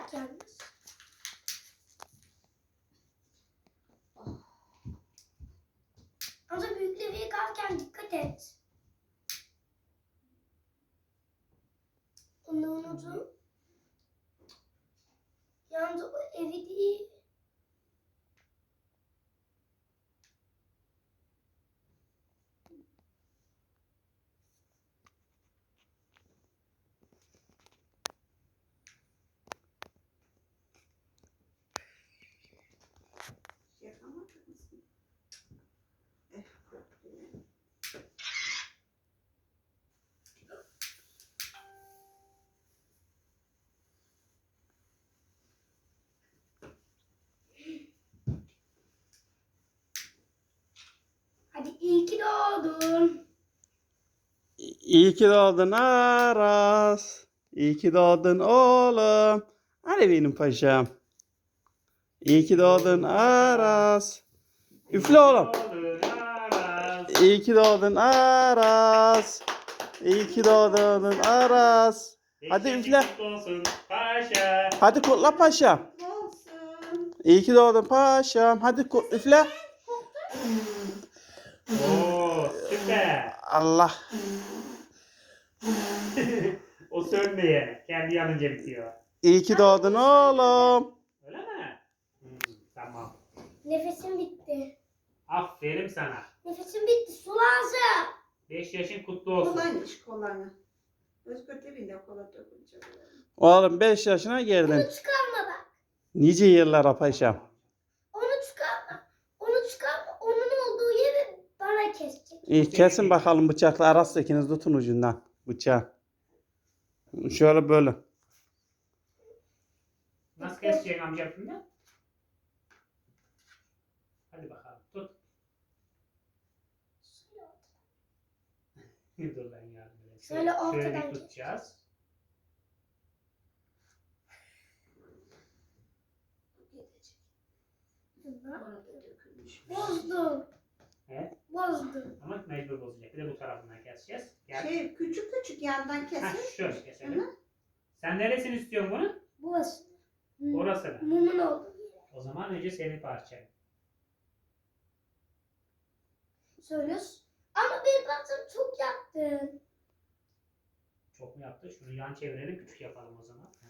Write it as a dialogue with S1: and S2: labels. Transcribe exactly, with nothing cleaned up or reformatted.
S1: olacak yalnız. Ama büyük levye kalken dikkat et. Onu unutun. Yalnız o evi değil. Hadi iyi ki doğdun.
S2: İyi ki doğdun Aras. İyi ki doğdun oğlum. Hadi benim paşam. İyi ki doğdun Aras. Üfle oğlum. İyi ki doğdun Aras. İyi ki doğdun Aras. Hadi üfle. Hadi kutla paşam. İyi ki doğdun paşam. Hadi kutla üfle.
S3: Oo, süper.
S2: Allah.
S3: O sönmeye. Kendi yanınca bitiyor.
S2: İyi ki doğdun oğlum.
S3: Öyle mi? Hmm, tamam.
S1: Nefesim bitti.
S3: Aferin sana.
S1: Nefesim bitti. Su lazım.
S3: beş yaşın kutlu olsun.
S4: Kolaymış kolanı. Özgür dibinde kola dökülecek.
S2: Oğlum beş yaşına girdin.
S1: Onu çıkarma bak.
S2: Nice yıllara paşam.
S1: Onu çıkarma. Onu çıkarma. Onun olduğu yeri bana kesecek.
S2: İyi kesin bakalım bıçakla Aras ikiniz tutun ucundan bıçağı. Şöyle böyle.
S3: Nasıl keseceksin amca şimdi? Hadi bakalım tut. Dur lan yardım edeyim.
S1: Şöyle ortadan
S3: Şöyle
S1: kes.
S3: tutacağız.
S4: Orada dökülmüş.
S1: Bozdum.
S3: Evet.
S1: Bozdum.
S3: Ama mecbur bozacak. Bir de bu tarafından keseceğiz. Gel.
S4: Şey küçük küçük yandan
S3: Heh,
S4: kesin.
S3: şöyle keselim.
S4: Hı.
S3: Sen neresini istiyorsun bunu?
S1: Burası.
S3: Orasını.
S1: Mumun olduğu yeri.
S3: O zaman önce senin parçan.
S1: Söylüyorsun. Ama benim parçam çok yaktın.
S3: Çok mu yaptı? Şunu yan çevirelim, küçük yapalım o zaman. Heh.